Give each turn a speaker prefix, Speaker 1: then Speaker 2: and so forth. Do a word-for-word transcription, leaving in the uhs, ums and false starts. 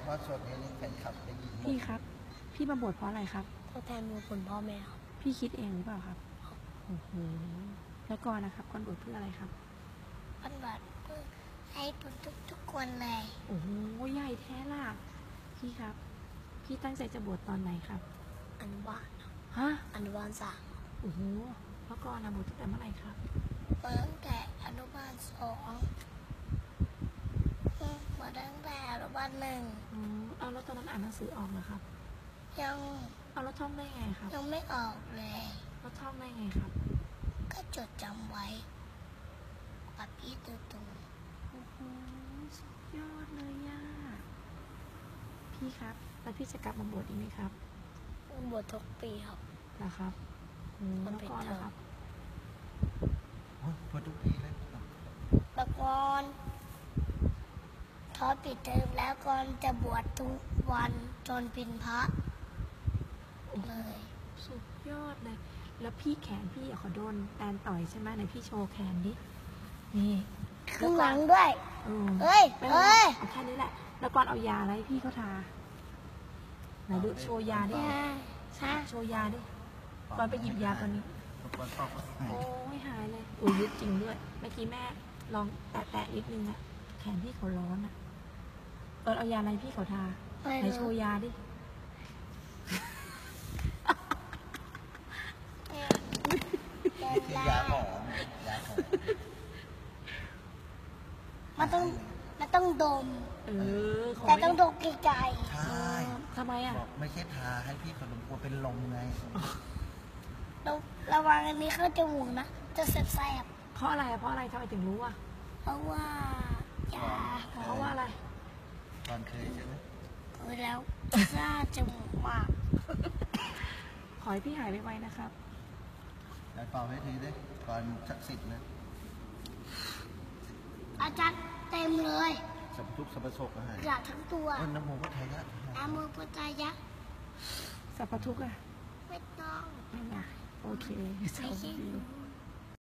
Speaker 1: ว่าส่วนนี้นี่แฟนคลับได้ยินหมด
Speaker 2: พี่ครับพี่มาบวชเพราะอะไรครับ
Speaker 3: ทดแทนบุญคุณพ่อแม่ครับ
Speaker 2: พี่คิดเองหรือเปล่าครับโอ้โหแล้วก่อนนะครับก่อนบวชเพื่ออะไรครับ
Speaker 3: ปันบัตรเพื่อให้ทุกทุกทุกคนเลย
Speaker 2: โอ้โหใหญ่แท้ล่ะพี่ครับพี่ตั้งใจจะบวชตอนไหนครับ
Speaker 3: อนุบาล
Speaker 2: ฮะ
Speaker 3: อนุบาลสาม
Speaker 2: โอ้โหแล้วก่อนนะบวชตั้งแต่เมื่อไหร่ครับ
Speaker 3: มาตั้งแต่อนุบาลสองมาตั้งแต่อนุบาลหนึ่ง
Speaker 2: อ๋อเอาแล้วตอนนั้นอ่านหนังสือออกเหรอครับ
Speaker 3: ยัง
Speaker 2: เอาแล้วท่องได้ไงครับ
Speaker 3: ยังไม่ออกเลย
Speaker 2: แล้วท่องได้ไงครับ
Speaker 3: ก็จดจำไว้กับพี่ตูตู
Speaker 2: โอ้โหสุดยอดเลยย่าพี่ครับแล้วพี่จะกลับมาบวชอีกไหมครับ
Speaker 3: บวชทุกปีครับ
Speaker 2: นะครับอืม
Speaker 3: มั
Speaker 2: แล้
Speaker 3: น
Speaker 2: ว
Speaker 3: เป็น
Speaker 2: ก่อน
Speaker 3: เทอม
Speaker 2: นะครับ
Speaker 1: โอ้ยพอทุกปีเลย
Speaker 3: แต่ก่อนพอปิดเทอมแล้วก่อนจะบวชทุกวันจนเป็นพระเลย
Speaker 2: สุดยอดเลย แล้วพี่แขนพี่อะขอโดนแตนต่อยใช่ไหมไหนพี่โชว์แขนดิ นี่
Speaker 3: ข้างหลังด้วย
Speaker 2: เออ
Speaker 3: เอ้ย
Speaker 2: ไม่
Speaker 3: เอ้ย
Speaker 2: เอาแค่นี้แหละ แล้วก่อนเอายาอะไรให้พี่เขาทา ไหนดูโชว์ยาดิ
Speaker 3: ยา
Speaker 2: ใช่โชว์ยาดิ ก่อนไปหยิบยาตัวนี้
Speaker 1: ก่อนปอกก็หาย
Speaker 2: โอ้ยหายเลยอุ้ยยึดจริงด้วย เมื่อกี้แม่ลองแตะๆนิดนึงอะแขนพี่เขาร้อนอะก่อนเอายาอะไรพี่เขาทา
Speaker 3: ไม่
Speaker 2: ไหน
Speaker 3: รู้
Speaker 2: โชว์ยาดิ
Speaker 1: นี่คือยาหอมยาหอม
Speaker 3: มันต้องมันต้องดม
Speaker 2: เออข
Speaker 3: แต่ต้อง
Speaker 2: ไม่
Speaker 3: ดมไกล
Speaker 1: ใช่
Speaker 2: ทำไมอะ
Speaker 1: บอกไม่ใช่ทาให้พี่ขนมกลัวเป็นลมไง
Speaker 3: ๆระระวังอันนี้เข้าจมูกนะ จะแสบ
Speaker 2: เพราะอะไรอะเพราะอะไรทำไมถึงรู้อะ
Speaker 3: ๆเพราะว่ายา
Speaker 2: เพราะว่าอะไร
Speaker 1: ตอนเคยใช่ไหม
Speaker 3: เคยแล้วซ่าจมูกมาก
Speaker 2: ขอให้พี่หายไวๆนะครับ
Speaker 1: แล้วเป่าให้ทีด้วยก่อนศักดิ์สิทธิ์นะ
Speaker 3: อาจารย์เต็มเลย
Speaker 1: สัพทุกข์สัพพโศกก็หาย
Speaker 3: กระทั้งตัว
Speaker 1: เอ้ยน้ำโมก็ไทยละ
Speaker 3: อามือปุจายะ
Speaker 2: สัพพทุกข์อะ
Speaker 3: ไม่ต้อง
Speaker 2: ไม่นะโอเค
Speaker 3: ไม่
Speaker 2: โชค
Speaker 3: ใช่
Speaker 2: ดี
Speaker 3: รู้